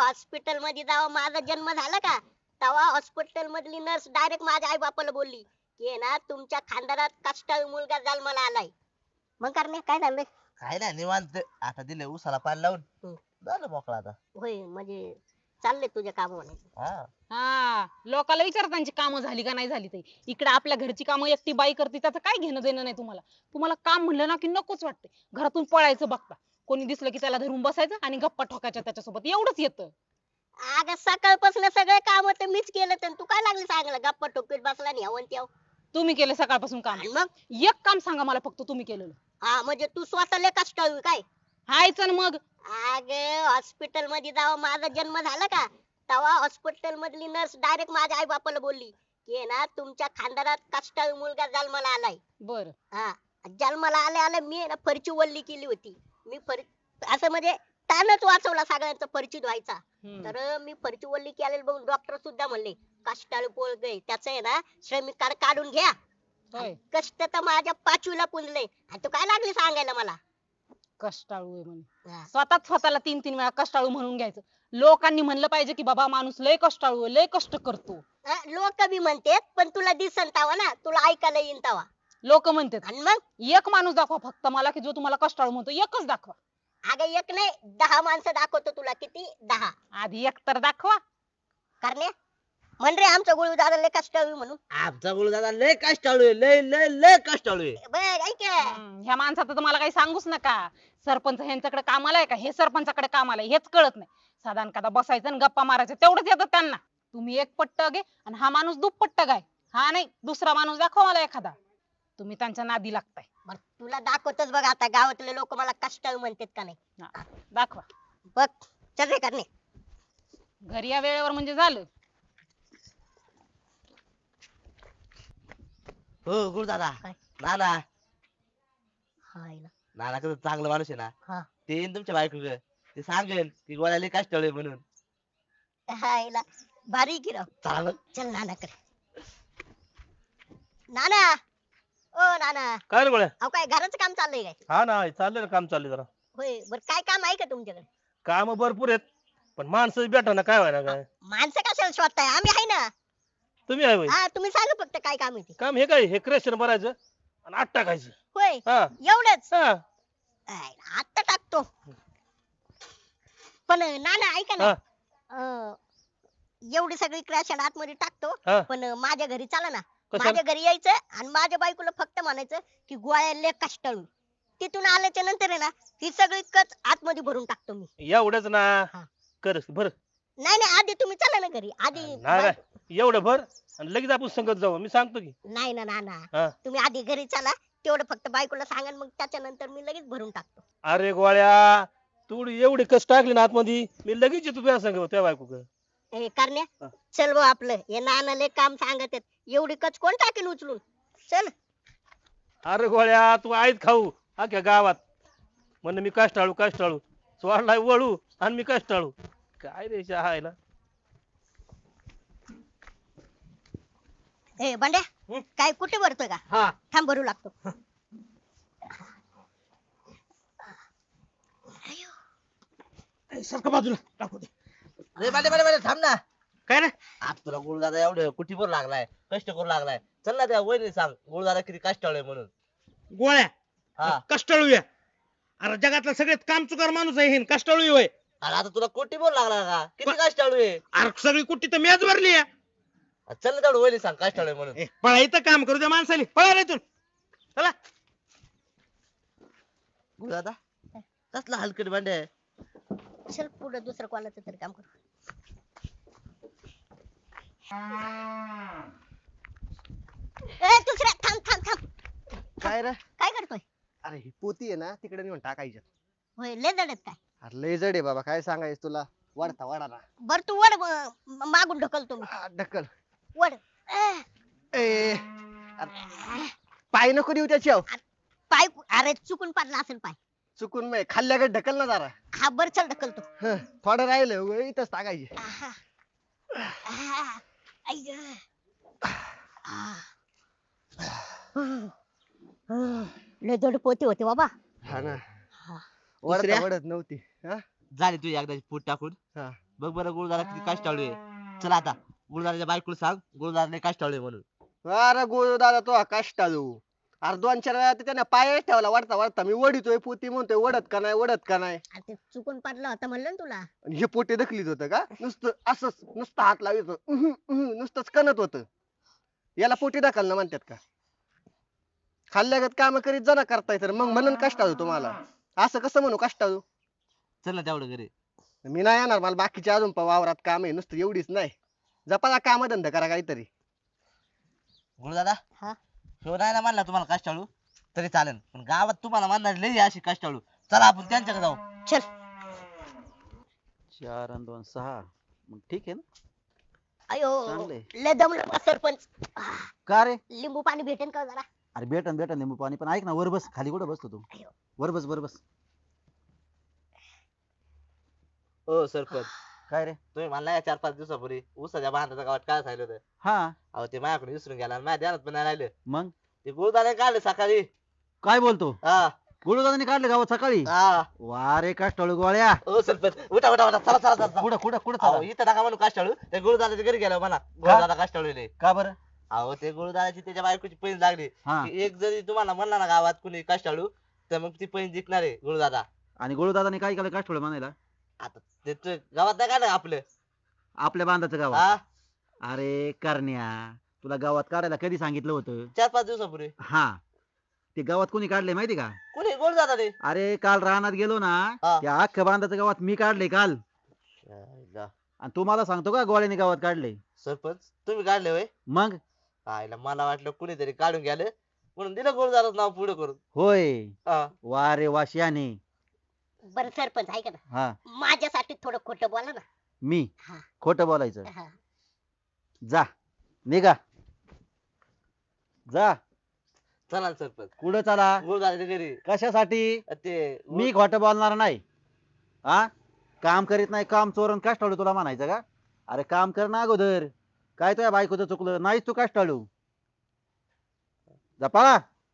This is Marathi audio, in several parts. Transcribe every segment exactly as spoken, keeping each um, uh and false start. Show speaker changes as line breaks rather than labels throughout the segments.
हॉस्पिटल मध्ये जेव्हा माझा जन्म झाला का तेव्हा हॉस्पिटल मधली नर्स डायरेक्ट माझ्या आई बापाला बोलली की आहे ना तुमच्या खानदानात कष्टाळू मुलगा जन्माला आलाय. मग करणे काय झालं?
काय नाही निवांत आता दिले उसाला पाणी लावून
हम्म.
झालं मोकळा आता.
होय म्हणजे चालले तुझ्या काम म्हणायचं.
हा
हा लोकाला विचार त्यांची कामं झाली का नाही झाली ते. इकडे आपल्या घरची कामं एकटी बाई करते त्याचं काय घेणं देणं नाही तुम्हाला. तुम्हाला काम म्हणलं ना की नकोच वाटते. घरातून पळायचं बघता. कोणी दिसलं की त्याला धरून बसायचं आणि गप्पा ठोकायच्या त्याच्यासोबत एवढंच येतं.
अगं सकाळपासून सगळे काम तर मीच केलं तर तू काय लागली सांगायला गप्पा टोकीत बसला नाही हवन त्याव.
तुम्ही केलं सकाळपासून काम.
आणि मग
एक काम सांगा मला फक्त तुम्ही केलेलं.
हा म्हणजे तू स्वतःला कष्टाळू आहे काय?
हायच ना मग.
अगं हॉस्पिटल मध्ये जेव्हा माझा जन्म झाला का तेव्हा हॉस्पिटल मधली नर्स डायरेक्ट माझ्या आई बापाला बोलली की आहे ना तुमच्या खानदानात कष्टाळू मुलगा जन्माला आलाय.
बर
हा जन्माला आल्या आल्या मी आहे ना फरची वल्ली केली होती. मी फर असं म्हणजे तानच वाचवला सगळ्यांचा परिचित व्हायचा. तर मी फरची वल्ली केलेली बघून डॉक्टर सुद्धा म्हणले कष्टाळू पोरगं त्याच आहे ना श्रमिक कार्ड काढून घ्या.
होय
कष्ट तर माझ्या पाचवीला पुंजले आणि तू काय लागली सांगायला मला.
कष्टाळू आहे म्हणे.
हा.
स्वतःच स्वतःला तीन तीन वेळा कष्टाळू म्हणून घ्यायचं. लोकांनी म्हणलं पाहिजे की बाबा माणूस लय कष्टाळू आहे, लय कष्ट करतो.
लोक बी म्हणतात पण तुला दिसन तावा ना तुला ऐकायला येईन तावा.
लोक म्हणतात.
आणि मग
एक माणूस दाखवा फक्त मला की जो तुम्हाला कष्टाळू म्हणतो. एकच दाखवा.
अगं एक नाही दहा माणसं दाखवतो तुला. किती? दहा.
आधी एक तर दाखवा.
करणे म्हण रे आमचा गुळू दादा लय कष्टाळू म्हणून.
आमचा गुरु दादा लय कष्टाळू आहे लय लय लय कष्टाळू आहे.
बघ ऐक
हम्म, ह्या माणसाचं तुम्हाला काही सांगूच नका. सरपंच ह्यांच्याकडे कामाला आहे का हे सरपंचाकडे कामाला आहे हेच कळत नाही. साधारण कदा बसायचं आणि गप्पा मारायचं तेवढंच येतं त्यांना. तुम्ही एक पट्ट घे आणि हा माणूस दुप्पट्ट गाय. हा नाही दुसरा माणूस दाखवा मला एखादा. तुम्ही त्यांच्या नादी लागताय.
बरं, तुला दाखवतोच बघ आता गावातले लोक मला कष्टाळू म्हणतात का नाही.
हा, दाखवा.
बघ चल रे करणे.
घरी या वेळेवर म्हणजे झालं.
हो गुरु दादा
काय?
नाना
हाय ना.
नाना कसं चांगलं माणूस आहे ना.
हा.
ते येईन तुमच्या बायको ते सांगेल की गोळ्या लय कष्टाळू आहे म्हणून.
हाय ना. भारी की राव.
चालेल
चल नाना कर. नाना ओ नाना
काय रे गोळ्या?
अहो काय घराचं काम चाललंय काय?
हा ना चाललंय ना काम चाललंय जरा.
होय बरं काय काम आहे का तुमच्याकडे?
काम भरपूर आहेत पण माणसं भेटा ना काय व्हायला काय.
माणसं कशाला शोधताय आम्ही आहे ना.
तुम्ही आहे होय?
हा तुम्ही सांगा फक्त काय काम आहे ते.
काम हे काय हे क्रेशन भरायचं आणि आत टाकायचं.
होय
हा
एवढंच.
हा
आय, आता टाकतो. पण नाना ऐका ना
हा
अं, एवढी सगळी क्रॅश आतमध्ये टाकतो.
हा.
पण माझ्या घरी चला ना.
कशाला?
माझ्या घरी यायचं आणि माझ्या बायकोला फक्त म्हणायचं की गोळ्या लय कष्टाळू. तिथून आल्याच्या नंतर आहे ना ही सगळी कच आतमध्ये भरून टाकतो मी.
एवढंच ना.
हा.
कर भर.
नाही नाही आधी तुम्ही चला ना घरी आधी.
नाही नाही एवढं भर आणि लगेच आपण संगत जाऊ मी सांगतो की.
नाही ना नाना
हा.
तुम्ही आधी घरी चला. तेवढं फक्त बायकोला सांगा मग त्याच्यानंतर मी लगेच भरून टाकतो.
अरे गोळ्या तू एवढी कष्ट टाकली ना आतमध्ये मी लगेच येतो तुझ्या संग त्या बायको
ए करण्या
हा.
चल भाऊ आपलं हे नानाले काम सांगत आहेत. एवढी कच कोण टाकेल उचलून. चल.
अरे गोळ्या तू आईत खाऊ अख्ख्या गावात म्हण मी कष्टाळू कष्टाळू सोडलाय वळू आणि मी कष्टाळू काय रे हायला.
ए बंड्या
हं?
काय कुठे भरतोय का?
हा
थांब भरू लागतो.
सारखं बाजूला टाकू दे.
रे बाटे बाटे बाटे थांब ना.
काय रे
आज तुला गुरु दादा एवढं कुठीवर लागलाय कष्ट करू लागलाय. चल ना त्या वहिनी सांग गुरु दादा किती कष्टाळू आहे म्हणून.
गोळ्या
हा
कष्टाळू आहे. अरे जगातला सगळ्यात कामचुकार माणूस आहे हे कष्टाळू होय.
आणि आता तुला कोटीवर लागला का किती कष्टाळू आहे.
अरे सगळी कुट्टी तर मॅच भरली आहे.
चल ना तेवढं वहिनी सांग कष्टाळू आहे म्हणून.
ए, पळा इथं काम करू द्या माणसाली पळा रे इथून. चला
गुरु दादा कसला हलकट भांडे आहे.
चल पुढे दुसरं कोणाचं तरी काम करू. ए दुसऱ्या थांब थांब थांब.
काय रे?
काय करतोय?
अरे ही पोती आहे ना तिकडे नेऊन टाकायची.
होय लय जड आहेत काय?
अरे लय जड आहे बाबा काय सांगायचं तुला. वाढता वाढा ना.
बर तू वड म- मागून ढकलतो मी.
आ, ढकल.
वड अह,
ए अरे, पाय नको देऊ त्याच्यावर.
पाय कु- अरे चुकून पडला असेल पाय.
चुकून मी खाल्ल्याकडे ढकल ना जरा.
हा बर चल ढकलतो.
हं, थोडं राहिलं उगा इथंच टाकायची.
आहा. आहा. आई ग. आह. लय जड पोते होते बाबा.
हा ना
हा.
वडता
दुसऱ्या?
वडत नव्हती. हा
झाली तुझी एकदाची फूट टाकून.
हा
बघ बरं गुरुदादा किती कष्टाळू आहे. चला आता गुरुदादाच्या बायकोला सांग गुरुदादा लय कष्टाळू आहे म्हणून.
अरे गोळू दादा तो कष्टाळू. अरे दोन चार वेळा त्याने पाय ठेवला वरता वरता मी वडितोय पोती म्हणतोय वडत का नाही वडत का नाही.
अरे ते चुकून पडलं होतं म्हणलं ना तुला.
आणि हे पोटे दखलीत होतं का नुसतं असंच नुसतं हात लावायचं उहुं, उहुं, नुसतंच कणत होतं. याला पोटी ढकलणं म्हणतात का. खाल्ल्यागत काम करीत जरा करताय तर मग म्हणून कष्टाळू तुम्हाला. असं कसं म्हणू कष्टाळू.
चल ना तेवढं घरी.
मी नाही येणार मला बाकीचे अजून पण वावरात काम आहे नुसतं एवढीच नाही. जपाला काम धंदा करा काहीतरी.
गुरुदादा
हा
ह्यो नाही ना म्हणला तुम्हाला कष्टाळू तरी चालेल पण गावात तुम्हाला म्हणणार लय अशी कष्टाळू. चला आपण त्यांच्याकडे जाऊ.
चल.
चार आणि दोन सहा मग ठीक आहे ना.
अयो
चांगलंय.
लय दमलं बा सरपंच. आह,
का रे
लिंबू पाणी भेटेन का जरा.
अरे भेटन भेटन लिंबू पाणी पण ऐक ना वर बस खाली कुठं बसतो तू.
अयो.
वर बस वर बस.
हो सरपंच
काय रे.
तुम्ही म्हणला या चार पाच दिवसापूर्वी ऊसाच्या बांधाच्या गावात काय सांगितलं होतं.
हा
अहो ते माझ्याकडून विसरून गेला आणि माझ्या ध्यानात पण नाही राहिलं.
मग
ते गुरुदादा काढलं सकाळी.
काय बोलतो
हा
गुळदादाने काढले गावात सकाळी.
हा
वा रे कष्टाळू गोळ्या.
हो सरपंच उठा उठा उठा चला चला चला.
कुठं कुठं कुठं
अहो
चालला?
इथं टाका म्हणून कष्टाळू त्या गुरुदादाच्या घरी गेलो म्हणा गुरुदादा कष्टाळू आहे.
का बरं.
अहो ते गुरुदादाची त्याच्या बायकोची पैन लागली
हा
की एक जरी तुम्हाला म्हणला ना गावात कुणी कष्टाळू तर मग ती पैन जिंकणार आहे गुरुदादा.
आणि गुळदादाने काय केलं कष्टाळू म्हणायला.
आता ते तू गावात नाही काढलं आपलं.
आपल्या बांधाचं गावात.
हा
अरे करण्या तुला गावात काढायला कधी सांगितलं होतं.
चार पाच दिवसापूर्वी.
हा ते गावात कोणी काढले माहिती का.
कुणी गुरुदादा रे.
अरे काल रानात गेलो ना
हा.
त्या अख्ख्या बांधाचं गावात मी काढले काल. आणि तू मला सांगतो का गोळ्याने गावात काढले.
सरपंच तुम्ही काढले होय.
मग
आईला मला वाटलं कुणीतरी काढून गेलं म्हणून दिलं गुरुदादाचं नाव पुढे करून.
होय.
हा.
वा रे वा श्याने.
बरं सरपंच ऐका ना
हा
माझ्यासाठी थोडं खोटं बोला ना.
मी
हा.
खोटं बोलायचं.
हा.
जा निघा जा.
चला ना सरपंच
कुठं चला.
गुरुदादाच्या घरी.
कशासाठी.
ते
मी खोटं बोलणार नाही. हा काम करीत नाही काम चोरून कष्टाळू तुला म्हणायचं का. अरे काम कर ना अगोदर. काय तुझ्या बायकोचं चुकलं नाहीच तू कष्टाळू. जपा.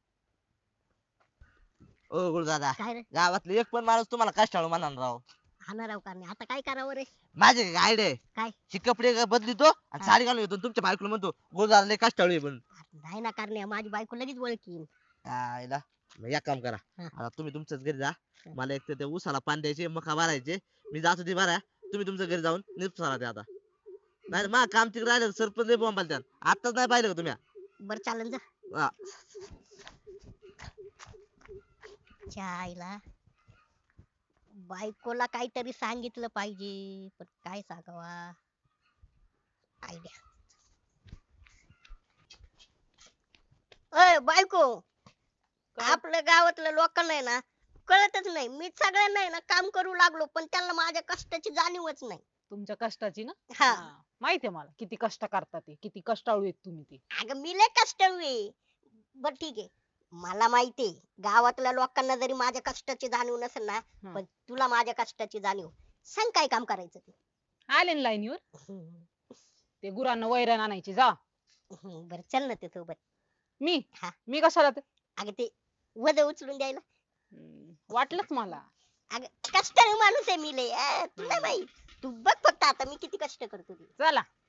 ओ गुरुदादा
काय रे
गावातले एक पण माणूस तुम्हाला कष्टाळू म्हणणार राव.
हाना राव कारणे आता काय करावं रे.
माझे गाईड आहे.
काय
ही कपडे बदलितो आणि साडी घालून येतो तुमच्या बायकोला म्हणतो गुरुदादा लय कष्टाळू आहे म्हणून.
नाही ना कारणे माझी बायको लगेच ओळखीन.
आईला मग एक काम करा
हा.
आता तुम्ही तुमच्याच घरी जा. मला एक तर त्या ऊसाला पाणी द्यायचे मका भरायचे मी जातो ते भरा तुम्ही तुमच्या घरी जाऊन निपसारा ते आता. नाही मा काम तिकडे राहिलं सरपंच लय बोंबाल त्या आताच नाही पाहिलं का तुम्ही.
बर चालन जा.
हा.
चायला बायकोला काहीतरी सांगितलं पाहिजे पण काय सांगावा. आयडिया. अय बायको आपल्या गावातल्या लोकांना आहे ना कळतच नाही मी सगळ्यांना आहे ना काम करू लागलो पण त्यांना माझ्या कष्टाची जाणीवच नाही.
तुमच्या कष्टाची ना.
हा
हा, माहितीये मला किती कष्ट करता ते किती कष्टाळू आहेत तुम्ही ते.
अगं मी लय कष्टाळू आहे. बर ठीक आहे मला माहितीये गावातल्या लोकांना जरी माझ्या कष्टाची जाणीव नसेल ना
हं.
पण तुला माझ्या कष्टाची जाणीव. सांग काय काम करायचं ते.
आले ना लाईनीवर. ते गुरांना वैरण आणायची जा.
बर चल ना ते सोबत.
मी
हा.
मी कशाला ते.
अगं ते वज उचलून द्यायला.
हम्म, वाटलंच मला.
अगं कष्टाळू माणूस आहे मी लय अं, तुला माहित तू बघ फक्त आता मी किती कष्ट करतो ते.
चला